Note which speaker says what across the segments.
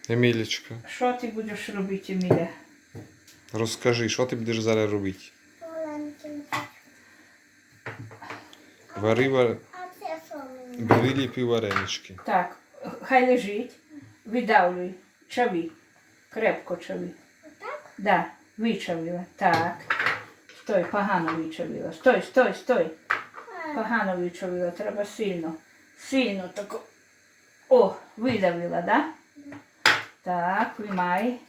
Speaker 1: Емілічка,
Speaker 2: Що ти будеш робити, Еміля?
Speaker 1: розкажи, що ти будеш зараз робити? Бери ліпі варенички.
Speaker 2: Так, хай лежить, видавлюй, чави, крепко чави.
Speaker 3: Отак?
Speaker 2: Да, вичавила. Так. Стой, погано вичавила. Стой. Погано вичавила, треба сильно. Сильно тако. О, видавила, да? Так, виймай.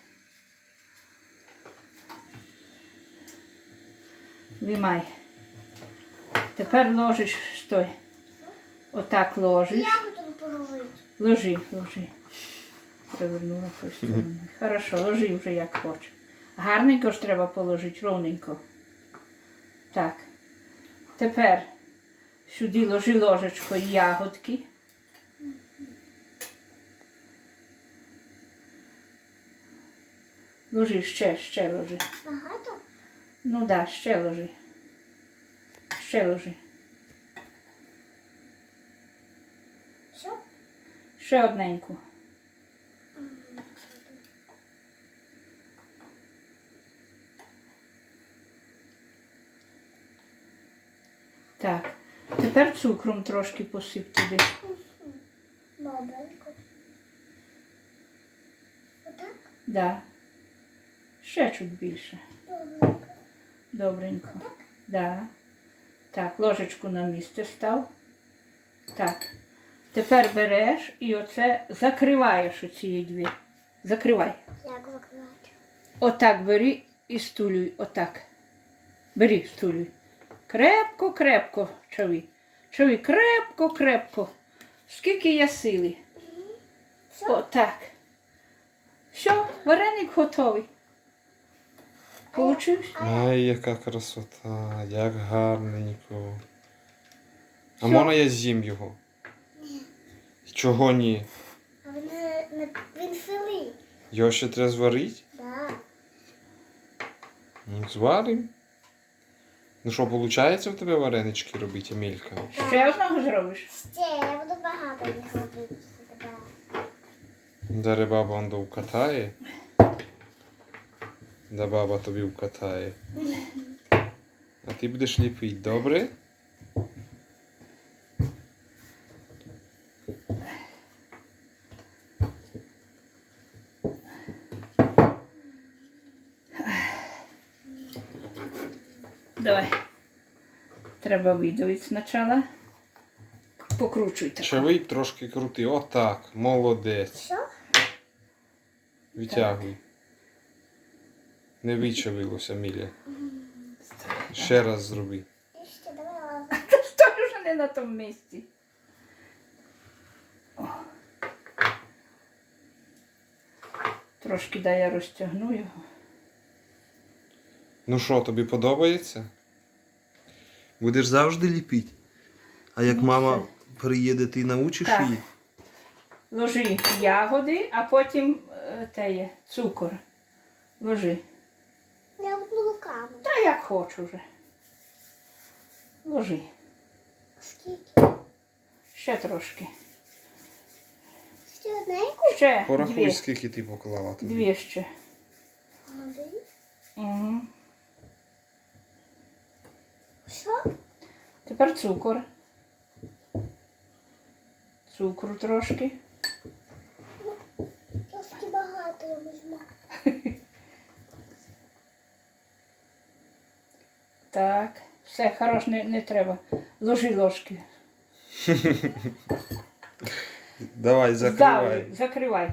Speaker 2: Виймай. Тепер ложиш, стой. Отак ложиш.
Speaker 3: Я буду поговорити.
Speaker 2: Ложи. Перевернула по сторону. Хорошо, ложи вже як хочеш. Гарненько ж треба положити, ровненько. Так. Тепер сюди ложи ложечкою ягодки. Ложи, ще ложи.
Speaker 3: Багато?
Speaker 2: Ну да, ще ложи. Ще ложи.
Speaker 3: Що?
Speaker 2: Ще одненьку. Так. Тепер цукром трошки посип туди.
Speaker 3: Добренько. Отак?
Speaker 2: Да. Ще чуть більше.
Speaker 3: Добренько.
Speaker 2: Добренько. Да. Так, ложечку на місце став. Так. Тепер береш і оце закриваєш оці дві. Закривай.
Speaker 3: Як закривати?
Speaker 2: Отак бери і стулюй. Отак. Бери, стулюй. Крепко чави. Чави, крепко. Скільки є сили.
Speaker 3: Все?
Speaker 2: Отак. Все, вареник готовий. Получився?
Speaker 1: Ай, яка красота, як гарненько. А
Speaker 2: Що?
Speaker 1: можна я з'їм його?
Speaker 3: Ні.
Speaker 1: Чого ні?
Speaker 3: А він силий.
Speaker 1: Його ще треба зварити?
Speaker 3: Да.
Speaker 1: Ну, зварим. Ну що, виходить в тебе варенички робити, Емілька?
Speaker 2: Ще одного зробиш?
Speaker 3: Ще, я буду багато їх робити. Да.
Speaker 1: Даре баба он укатає. Да баба тобі укатає. А ти будеш ліпити, добре?
Speaker 2: Давай. Треба видавити спочатку. Покручуй так.
Speaker 1: Чавий трошки крути. Отак. Молодець.
Speaker 3: Що?
Speaker 1: Витягуй. Не вичавилося, Міля. Ще раз зроби.
Speaker 3: І ще давай лазу.
Speaker 2: Стой вже не на тому місці. О. Трошки дай я розтягну його.
Speaker 1: Ну що, тобі подобається? Будеш завжди ліпити? А як мама приїде, ти научиш
Speaker 2: Так.
Speaker 1: її?
Speaker 2: Ложи ягоди, а потім цукор. Ложи.
Speaker 3: Я буду руками.
Speaker 2: Та як хочу вже. Ложи.
Speaker 3: Скільки?
Speaker 2: Ще трошки.
Speaker 3: Ще одненьку?
Speaker 2: Ще
Speaker 1: Порахуй,
Speaker 2: дві.
Speaker 1: скільки ти поклала тобі.
Speaker 2: Дві ще.
Speaker 3: Один.
Speaker 2: Угу.
Speaker 3: Що?
Speaker 2: Тепер цукор. Цукру трошки.
Speaker 3: Трошки багато я візьму.
Speaker 2: Так. Все, хорош, не треба. Ложи ложки.
Speaker 1: Давай, закривай.
Speaker 2: Закривай.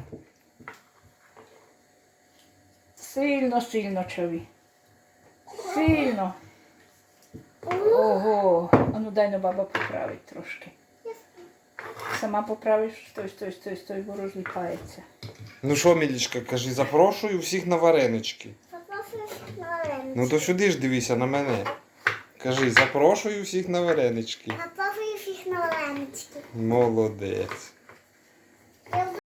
Speaker 2: Сильно чави. Сильно. Ого. А ну дай на баба поправить трошки. Сама поправиш. Стой, бо розліпається.
Speaker 1: Ну що, Мілічка, кажи, запрошую всіх на варенички.
Speaker 3: Запрошую на варенички.
Speaker 1: Ну то сюди ж дивися на мене. Кажи, запрошую всіх на варенички.
Speaker 3: Запрошую всіх на варенички.
Speaker 1: Молодець.
Speaker 3: Я